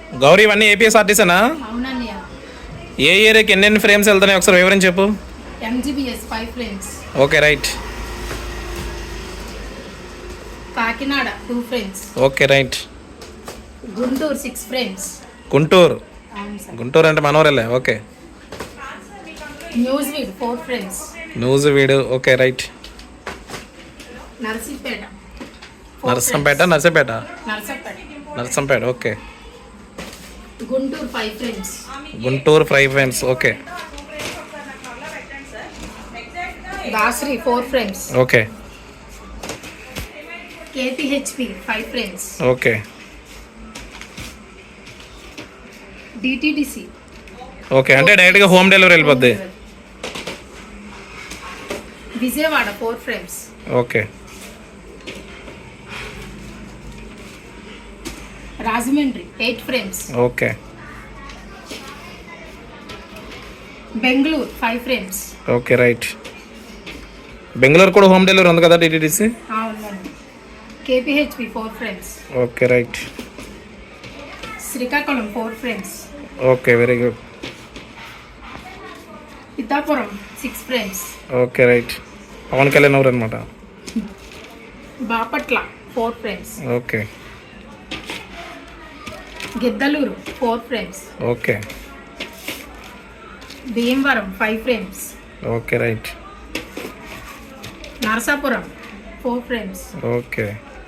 గౌరీ ఇవన్నీ ఏపీఎస్ఆర్టీసీనా? అవునన్నయ్య. ఏ ఏరియాకి ఎన్నెన్ని ఫ్రేమ్స్ వెళ్తున్నాయి ఒకసారి వివరించి చెప్పు. MGBS 5 frames. Okay right. Kakinada 2 frames. Okay right. Guntur 6 frames. Guntur. అవును సార్. గుంటూరు అంటే మనోరెల్లే. Okay. Nuzvid 4 frames. Nuzvid. Okay right. Narsipeta Narsampet. Narsampet. Narsampet. Narsampet. Okay. Guntur 5 frames. Guntur 5 frames. Okay. Dasari 4 frames. Okay. KPHP 5 frames. Okay. DTDC. Okay అంటే డైరెక్ట్గా హోమ్ డెలివరీ వెళ్ళిపోద్ది. Vijayawada 4 frames. Okay. Rajahmundry 8 frames. Okay. Bengaluru 5 frames. Okay right. Bengaluru కూడా home delivery ఉంది కదా DTDC? అవునండి. KPHP 4 frames. Okay right. Srikakulam 4 frames. Okay very good. Pithapuram 6 frames. Okay right. Pawan Kalyan ఎవరు అనమాట? Bapatla 4 frames. Okay. Giddalur 4 frames. Okay. Bhimavaram 5 frames. Okay right. Narasapuram 4 frames. Okay.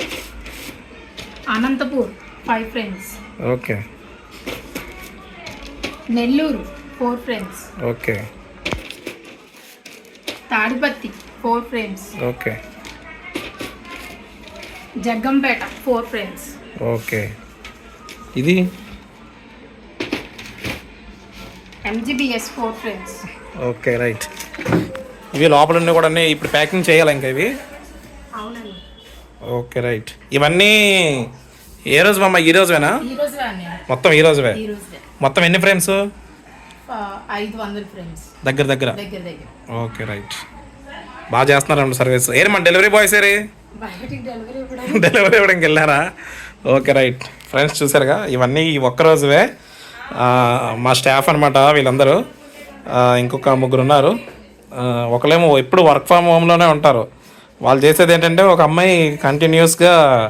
Anantapur 5 frames. Okay. Nellore 4 frames. Okay. Tadipatri 4 frames. Okay. Jaggampeta 4 frames. Okay. ఇది MGBS 4 frames. Okay right. ఇవి లోపల ఉన్నాయి కూడా ఇప్పుడు packing చేయాలి ఇంకా ఇవి? అవునండి. Okay right. ఇవన్నీ ఏ రోజు మమ్మ? ఈ రోజువేనా? ఈ రోజు మొత్తం ఈ రోజువే. ఈ రోజు మొత్తం ఎన్ని ఫ్రేమ్స్? 500 ఫ్రేమ్స్ దగ్గర దగ్గర. దగ్గర దగ్గర. Okay right. బాగా చేస్తున్నారండి సర్వీస్. ఏరి మన డెలివరీ బాయ్స్ ఏరి? బయటికి డెలివరీ ఇవ్వడానికి వెళ్ళారా? Okay right. ఫ్రెండ్స్ చూసారుగా ఇవన్నీ ఈ ఒక్కరోజువే. మా స్టాఫ్ అనమాట వీళ్ళందరూ. ఇంకొక 3 ఉన్నారు. ఒకళ్ళేమో ఎప్పుడు వర్క్ ఫ్రమ్ హోమ్లోనే ఉంటారు. వాళ్ళు చేసేది ఏంటంటే ఒక అమ్మాయి కంటిన్యూస్గా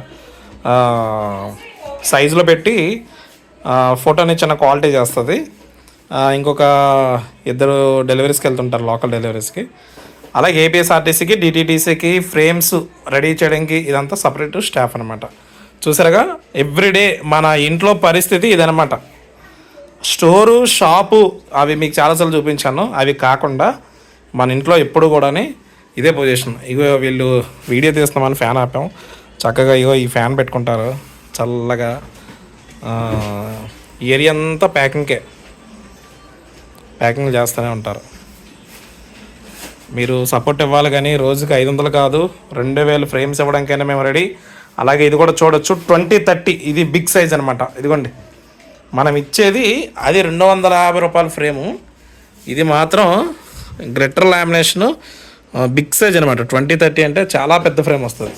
సైజులో పెట్టి ఫోటోని చిన్న క్వాలిటీ చేస్తుంది. ఇంకొక 2 డెలివరీస్కి వెళ్తుంటారు, లోకల్ డెలివరీస్కి. అలాగే ఏపీఎస్ఆర్టీసీకి డిటీడీసీకి ఫ్రేమ్స్ రెడీ చేయడానికి ఇదంతా సపరేట్ స్టాఫ్ అనమాట. చూసారుగా ఎవ్రీడే మన ఇంట్లో పరిస్థితి ఇదనమాట. స్టోరు షాపు అవి మీకు చాలాసార్లు చూపించాను. అవి కాకుండా మన ఇంట్లో ఎప్పుడు కూడా ఇదే పొజిషన్. ఇగో వీళ్ళు వీడియో తీస్తామని ఫ్యాన్ ఆపాం. చక్కగా ఇగో ఈ ఫ్యాన్ పెట్టుకుంటారు చల్లగా. ఏరియా అంతా ప్యాకింగ్ చేస్తూనే ఉంటారు. మీరు సపోర్ట్ ఇవ్వాలి కానీ రోజుకి 500 కాదు 2000 ఫ్రేమ్స్ ఇవ్వడానికైనా మేము రెడీ. అలాగే ఇది కూడా చూడొచ్చు 20-30. ఇది బిగ్ సైజ్ అనమాట. ఇదిగోండి మనం ఇచ్చేది అది 250 రూపాయల ఫ్రేము. ఇది మాత్రం గ్లిట్టర్ లామినేషను బిగ్ సైజ్ అనమాట. 20-30 అంటే చాలా పెద్ద ఫ్రేమ్ వస్తుంది.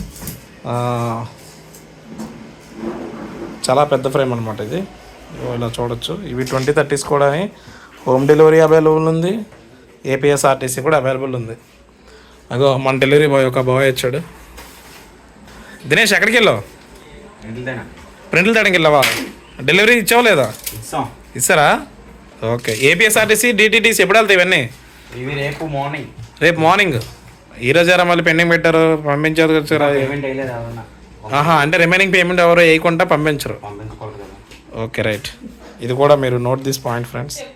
చాలా పెద్ద ఫ్రేమ్ అనమాట ఇది. ఇలా చూడొచ్చు. ఇవి 20-30s కూడా హోమ్ డెలివరీ అవైలబుల్ ఉంది. ఏపీఎస్ఆర్టీసీ కూడా అవైలబుల్ ఉంది. అగో మన డెలివరీ బాయ్ ఒక బాయ్ వచ్చాడు. దినేష్ ఎక్కడికి వెళ్ళావు? ప్రింట్లు తేడానికి వెళ్ళావా? డెలివరీ ఇచ్చావా లేదా? ఇస్తారా? ఓకే. ఏపీఎస్ఆర్టీసీ డిటీడీసీ ఎప్పుడు వెళ్తాయి ఇవన్నీ? రేపు మార్నింగ్. ఈరోజు ఎరా మళ్ళీ పెండింగ్ పెట్టారు, పంపించారు వచ్చారా? అంటే రిమైనింగ్ పేమెంట్ ఎవరు వేయకుండా పంపించరు. Okay right. ఇది కూడా మీరు నోట్ దిస్ పాయింట్ ఫ్రెండ్స్.